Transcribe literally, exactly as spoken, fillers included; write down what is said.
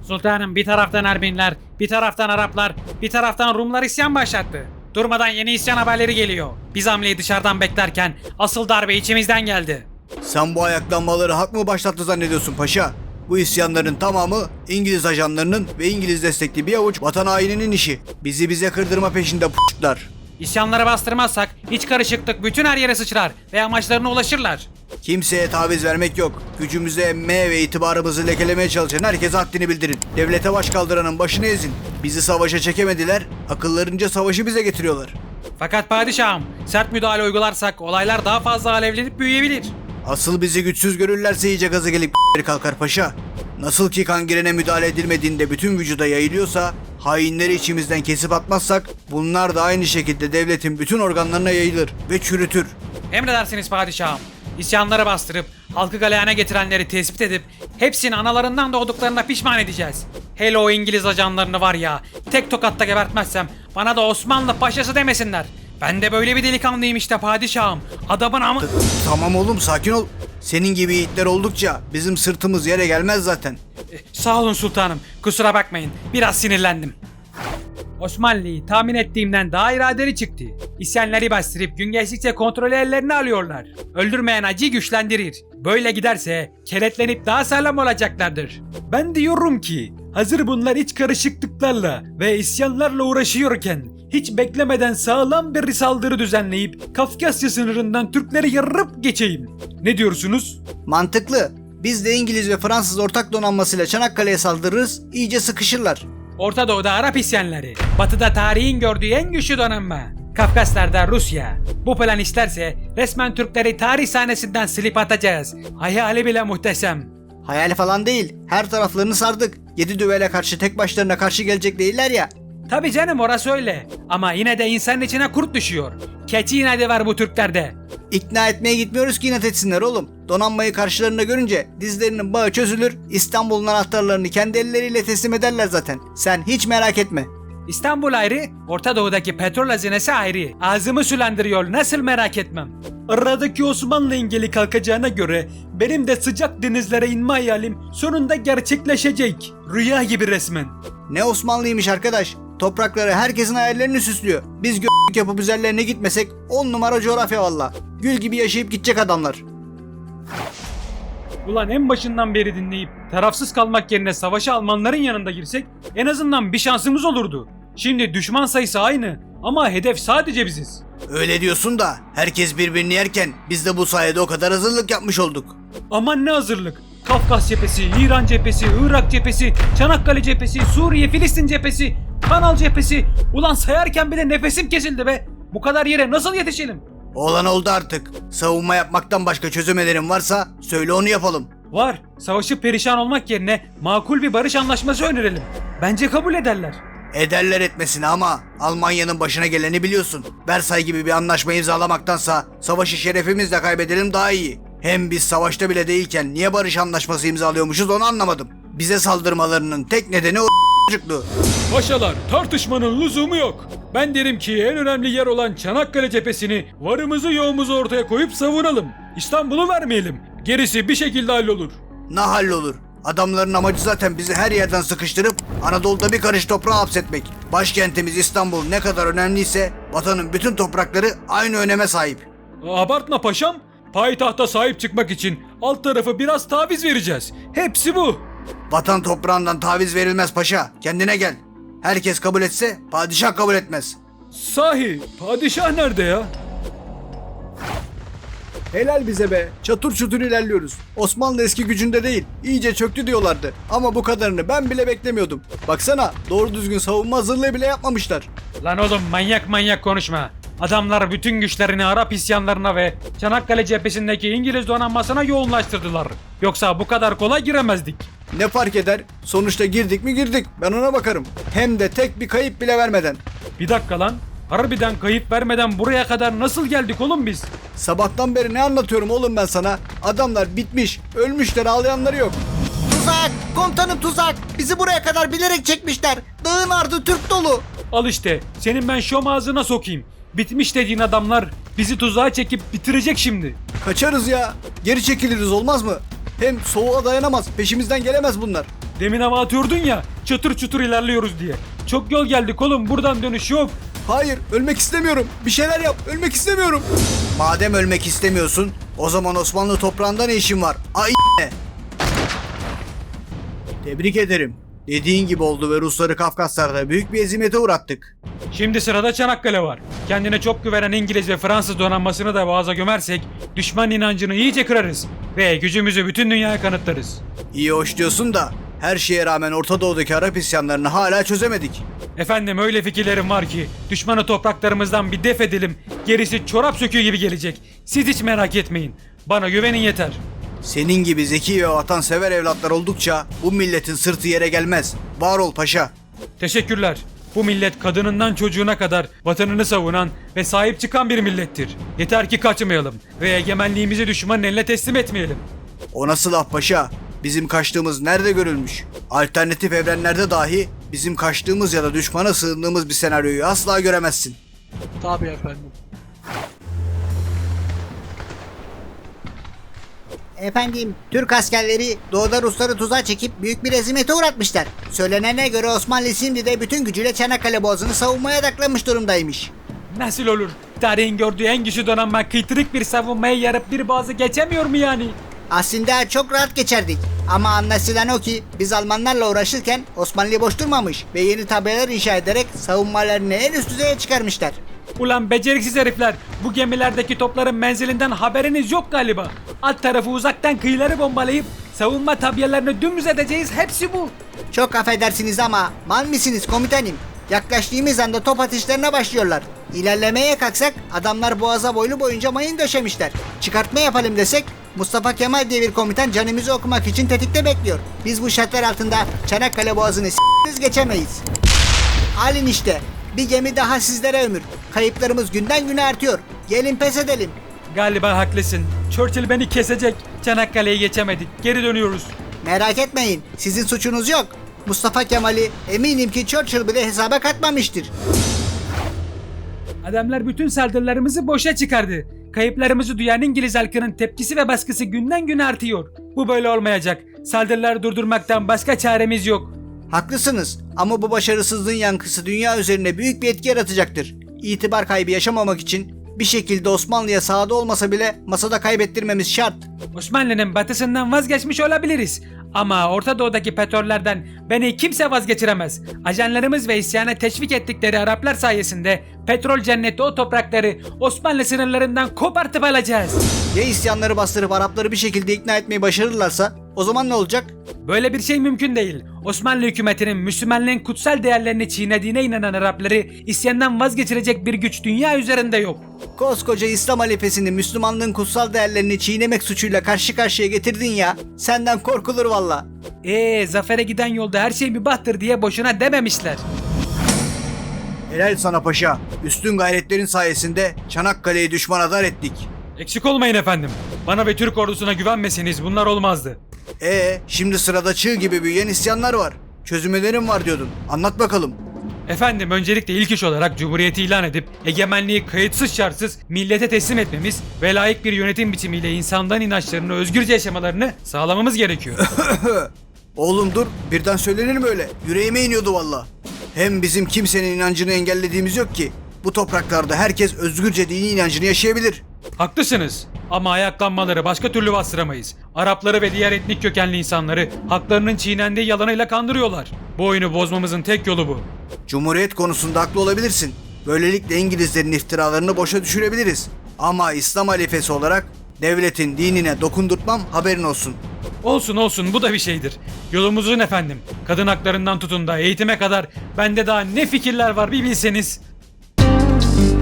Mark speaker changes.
Speaker 1: Sultanım, bir taraftan Ermeniler, bir taraftan Araplar, bir taraftan Rumlar isyan başlattı. Durmadan yeni isyan haberleri geliyor. Biz hamleyi dışarıdan beklerken asıl darbe içimizden geldi.
Speaker 2: Sen bu ayaklanmaları hak mı başlattı zannediyorsun paşa? Bu isyanların tamamı İngiliz ajanlarının ve İngiliz destekli bir avuç vatan haininin işi. Bizi bize kırdırma peşinde p***lar.
Speaker 1: İsyanları bastırmazsak iç karışıklık bütün her yere sıçrar ve amaçlarına ulaşırlar.
Speaker 2: Kimseye taviz vermek yok. Gücümüzü emmeye ve itibarımızı lekelemeye çalışan herkese haddini bildirin. Devlete baş kaldıranın başını ezin. Bizi savaşa çekemediler, akıllarınca savaşı bize getiriyorlar.
Speaker 1: Fakat padişahım, sert müdahale uygularsak olaylar daha fazla alevlenip büyüyebilir.
Speaker 2: Asıl bizi güçsüz görürlerse iyice gazı gelip kalkar paşa. Nasıl ki kangirene müdahale edilmediğinde bütün vücuda yayılıyorsa, hainleri içimizden kesip atmazsak bunlar da aynı şekilde devletin bütün organlarına yayılır ve çürütür.
Speaker 1: Emredersiniz padişahım. İsyanları bastırıp halkı galeyana getirenleri tespit edip hepsini analarından doğduklarına pişman edeceğiz. Hele o İngiliz ajanlarını var ya, tek tokatta gebertmezsem bana da Osmanlı paşası demesinler. Ben de böyle bir delikanlıyım işte padişahım. Adamın amı...
Speaker 2: Tamam oğlum, sakin ol. Senin gibi yiğitler oldukça bizim sırtımız yere gelmez zaten.
Speaker 1: Sağ olun sultanım. Kusura bakmayın. Biraz sinirlendim. Osmanlı'yı tahmin ettiğimden daha iradeli çıktı. İsyanları bastırıp gün geçtikçe kontrolü ellerine alıyorlar. Öldürmeyen acıyı güçlendirir. Böyle giderse keletlenip daha sağlam olacaklardır. Ben diyorum ki hazır bunlar iç karışıklıklarla ve isyanlarla uğraşıyorken hiç beklemeden sağlam bir saldırı düzenleyip Kafkasya sınırından Türkleri yarıp geçeyim. Ne diyorsunuz?
Speaker 2: Mantıklı. Biz de İngiliz ve Fransız ortak donanmasıyla Çanakkale'ye saldırırız, iyice sıkışırlar.
Speaker 1: Orta Doğu'da Arap isyanları, Batı'da tarihin gördüğü en güçlü donanma, Kafkaslar'da Rusya. Bu plan isterse resmen Türkleri tarih sahnesinden silip atacağız. Hayali bile muhteşem.
Speaker 2: Hayal falan değil, her taraflarını sardık. Yedi düvele karşı tek başlarına karşı gelecek değiller ya.
Speaker 1: Tabi canım, orası öyle. Ama yine de insanın içine kurt düşüyor. Keçi inadı var bu Türklerde.
Speaker 2: İkna etmeye gitmiyoruz ki inat etsinler oğlum. Donanmayı karşılarında görünce dizlerinin bağı çözülür, İstanbul'un anahtarlarını kendi elleriyle teslim ederler zaten. Sen hiç merak etme.
Speaker 1: İstanbul ayrı, Orta Doğu'daki petrol hazinesi ayrı. Ağzımı sulandırıyor, nasıl merak etmem. Aradaki Osmanlı engeli kalkacağına göre benim de sıcak denizlere inme hayalim sonunda gerçekleşecek. Rüya gibi resmen.
Speaker 2: Ne Osmanlıymış arkadaş. Toprakları herkesin hayallerini süslüyor. Biz gö**lük yapıp üzerlerine gitmesek on numara coğrafya valla. Gül gibi yaşayıp gidecek adamlar.
Speaker 1: Ulan en başından beri dinleyip tarafsız kalmak yerine savaşa Almanların yanında girsek en azından bir şansımız olurdu. Şimdi düşman sayısı aynı ama hedef sadece biziz.
Speaker 2: Öyle diyorsun da herkes birbirini yerken biz de bu sayede o kadar hazırlık yapmış olduk.
Speaker 1: Aman ne hazırlık. Kafkas cephesi, İran cephesi, Irak cephesi, Çanakkale cephesi, Suriye, Filistin cephesi, Kanal cephesi. Ulan sayarken bile nefesim kesildi be. Bu kadar yere nasıl yetişelim?
Speaker 2: Olan oldu artık. Savunma yapmaktan başka çözümlerin varsa söyle, onu yapalım.
Speaker 1: Var. Savaşı perişan olmak yerine makul bir barış anlaşması önerelim. Bence kabul ederler.
Speaker 2: Ederler etmesine ama Almanya'nın başına geleni biliyorsun. Versay gibi bir anlaşma imzalamaktansa savaşı şerefimizle kaybedelim daha iyi. Hem biz savaşta bile değilken niye barış anlaşması imzalıyormuşuz onu anlamadım. Bize saldırmalarının tek nedeni o çocukluğu.
Speaker 1: Paşalar, tartışmanın lüzumu yok. Ben derim ki en önemli yer olan Çanakkale cephesini varımızı yoğumuzu ortaya koyup savunalım. İstanbul'u vermeyelim. Gerisi bir şekilde hallolur.
Speaker 2: Ne hallolur? Adamların amacı zaten bizi her yerden sıkıştırıp Anadolu'da bir karış toprağa hapsetmek. Başkentimiz İstanbul ne kadar önemliyse vatanın bütün toprakları aynı öneme sahip.
Speaker 1: Abartma paşam. Payitahta sahip çıkmak için alt tarafı biraz taviz vereceğiz. Hepsi bu.
Speaker 2: Vatan toprağından taviz verilmez paşa. Kendine gel. Herkes kabul etse padişah kabul etmez.
Speaker 1: Sahi padişah nerede ya?
Speaker 2: Helal bize be. Çatır çutur ilerliyoruz. Osmanlı eski gücünde değil. İyice çöktü diyorlardı. Ama bu kadarını ben bile beklemiyordum. Baksana, doğru düzgün savunma hazırlığı bile yapmamışlar.
Speaker 1: Lan oğlum, manyak manyak konuşma. Adamlar bütün güçlerini Arap isyanlarına ve Çanakkale cephesindeki İngiliz donanmasına yoğunlaştırdılar. Yoksa bu kadar kolay giremezdik.
Speaker 2: Ne fark eder? Sonuçta girdik mi girdik. Ben ona bakarım. Hem de tek bir kayıp bile vermeden.
Speaker 1: Bir dakika lan. Harbiden kayıp vermeden buraya kadar nasıl geldik oğlum biz?
Speaker 2: Sabahtan beri ne anlatıyorum oğlum ben sana? Adamlar bitmiş. Ölmüşler, ağlayanları yok.
Speaker 3: Tuzak! Komutanım tuzak! Bizi buraya kadar bilerek çekmişler. Dağın ardı Türk dolu.
Speaker 1: Al işte, senin ben şom ağzına sokayım. Bitmiş dediğin adamlar bizi tuzağa çekip bitirecek şimdi.
Speaker 2: Kaçarız ya. Geri çekiliriz, olmaz mı? Hem soğuğa dayanamaz. Peşimizden gelemez bunlar.
Speaker 1: Demin hava atıyordun ya, çatır çutur ilerliyoruz diye. Çok yol geldik oğlum, buradan dönüş yok.
Speaker 2: Hayır, ölmek istemiyorum. Bir şeyler yap. Ölmek istemiyorum. Madem ölmek istemiyorsun, o zaman Osmanlı toprağında ne işin var? Ay ne? Tebrik ederim. Dediğin gibi oldu ve Rusları Kafkaslar'da büyük bir ezimete uğrattık.
Speaker 1: Şimdi sırada Çanakkale var. Kendine çok güvenen İngiliz ve Fransız donanmasını da boğaza gömersek düşman inancını iyice kırarız ve gücümüzü bütün dünyaya kanıtlarız.
Speaker 2: İyi hoş diyorsun da her şeye rağmen Orta Doğu'daki Arap isyanlarını hala çözemedik.
Speaker 1: Efendim öyle fikirlerim var ki düşmanı topraklarımızdan bir def edelim, gerisi çorap söküğü gibi gelecek. Siz hiç merak etmeyin. Bana güvenin yeter.
Speaker 2: Senin gibi zeki ve vatansever evlatlar oldukça bu milletin sırtı yere gelmez. Var ol paşa.
Speaker 1: Teşekkürler. Bu millet kadınından çocuğuna kadar vatanını savunan ve sahip çıkan bir millettir. Yeter ki kaçmayalım ve egemenliğimizi düşmanın eline teslim etmeyelim.
Speaker 2: O nasıl laf paşa? Bizim kaçtığımız nerede görülmüş? Alternatif evrenlerde dahi bizim kaçtığımız ya da düşmana sığındığımız bir senaryoyu asla göremezsin.
Speaker 4: Tabii efendim.
Speaker 3: Efendim, Türk askerleri doğuda Rusları tuzağa çekip büyük bir ezimete uğratmışlar. Söylenene göre Osmanlı şimdi de bütün gücüyle Çanakkale Boğazı'nı savunmaya odaklanmış durumdaymış.
Speaker 1: Nasıl olur? Tarihin gördüğü en güçlü donanma kıytırık bir savunmaya yarıp bir boğazı geçemiyor mu yani?
Speaker 3: Aslında çok rahat geçerdik. Ama anlaşılan o ki biz Almanlarla uğraşırken Osmanlı boş durmamış ve yeni tabelalar inşa ederek savunmalarını en üst düzeye çıkarmışlar.
Speaker 1: Ulan beceriksiz herifler, bu gemilerdeki topların menzilinden haberiniz yok galiba. Alt tarafı uzaktan kıyıları bombalayıp savunma tabiyelerini dümdüz edeceğiz, hepsi bu.
Speaker 3: Çok affedersiniz ama mal mısınız komutanım? Yaklaştığımız anda top atışlarına başlıyorlar. İlerlemeye kalksak adamlar boğaza boylu boyunca mayın döşemişler. Çıkartma yapalım desek Mustafa Kemal diye bir komutan canımızı okumak için tetikte bekliyor. Biz bu şartlar altında Çanakkale Boğazı'nı s***riz geçemeyiz. Alin işte. Bir gemi daha sizlere ömür. Kayıplarımız günden güne artıyor. Gelin pes edelim.
Speaker 1: Galiba haklısın. Churchill beni kesecek. Çanakkale'yi geçemedik. Geri dönüyoruz.
Speaker 3: Merak etmeyin. Sizin suçunuz yok. Mustafa Kemal'i eminim ki Churchill bile hesaba katmamıştır.
Speaker 1: Adamlar bütün saldırılarımızı boşa çıkardı. Kayıplarımızı duyan İngiliz halkının tepkisi ve baskısı günden güne artıyor. Bu böyle olmayacak. Saldırıları durdurmaktan başka çaremiz yok.
Speaker 3: Haklısınız ama bu başarısızlığın yankısı dünya üzerine büyük bir etki yaratacaktır. İtibar kaybı yaşamamak için bir şekilde Osmanlı'ya sahada olmasa bile masada kaybettirmemiz şart.
Speaker 1: Osmanlı'nın batısından vazgeçmiş olabiliriz. Ama Orta Doğu'daki petrollerden beni kimse vazgeçiremez. Ajanlarımız ve isyana teşvik ettikleri Araplar sayesinde petrol cenneti o toprakları Osmanlı sınırlarından kopartıp alacağız.
Speaker 3: Ya isyanları bastırıp Arapları bir şekilde ikna etmeyi başarırlarsa o zaman ne olacak?
Speaker 1: Böyle bir şey mümkün değil. Osmanlı hükümetinin Müslümanlığın kutsal değerlerini çiğnediğine inanan Arapları isyandan vazgeçirecek bir güç dünya üzerinde yok.
Speaker 3: Koskoca İslam halifesini Müslümanlığın kutsal değerlerini çiğnemek suçuyla karşı karşıya getirdin ya. Senden korkulur valla.
Speaker 1: Eee zafere giden yolda her şey mübahtır diye boşuna dememişler.
Speaker 2: Helal sana paşa. Üstün gayretlerin sayesinde Çanakkale'yi düşmana dar ettik.
Speaker 1: Eksik olmayın efendim. Bana ve Türk ordusuna güvenmeseniz bunlar olmazdı.
Speaker 2: Ee, şimdi sırada çığ gibi büyüyen isyanlar var. Çözüm önerim var diyordun. Anlat bakalım.
Speaker 1: Efendim öncelikle ilk iş olarak Cumhuriyeti ilan edip egemenliği kayıtsız şartsız millete teslim etmemiz ve layık bir yönetim biçimiyle insanların inançlarını özgürce yaşamalarını sağlamamız gerekiyor.
Speaker 2: Oğlum dur, birden söylenir mi öyle? Yüreğime iniyordu valla. Hem bizim kimsenin inancını engellediğimiz yok ki. Bu topraklarda herkes özgürce dini inancını yaşayabilir.
Speaker 1: Haklısınız ama ayaklanmaları başka türlü bastıramayız. Arapları ve diğer etnik kökenli insanları haklarının çiğnendiği yalanıyla kandırıyorlar. Bu oyunu bozmamızın tek yolu bu.
Speaker 2: Cumhuriyet konusunda haklı olabilirsin. Böylelikle İngilizlerin iftiralarını boşa düşürebiliriz. Ama İslam halifesi olarak devletin dinine dokundurtmam, haberin olsun.
Speaker 1: Olsun olsun, bu da bir şeydir. Yolumuzun efendim. Kadın haklarından tutun da eğitime kadar bende daha ne fikirler var bir bilseniz.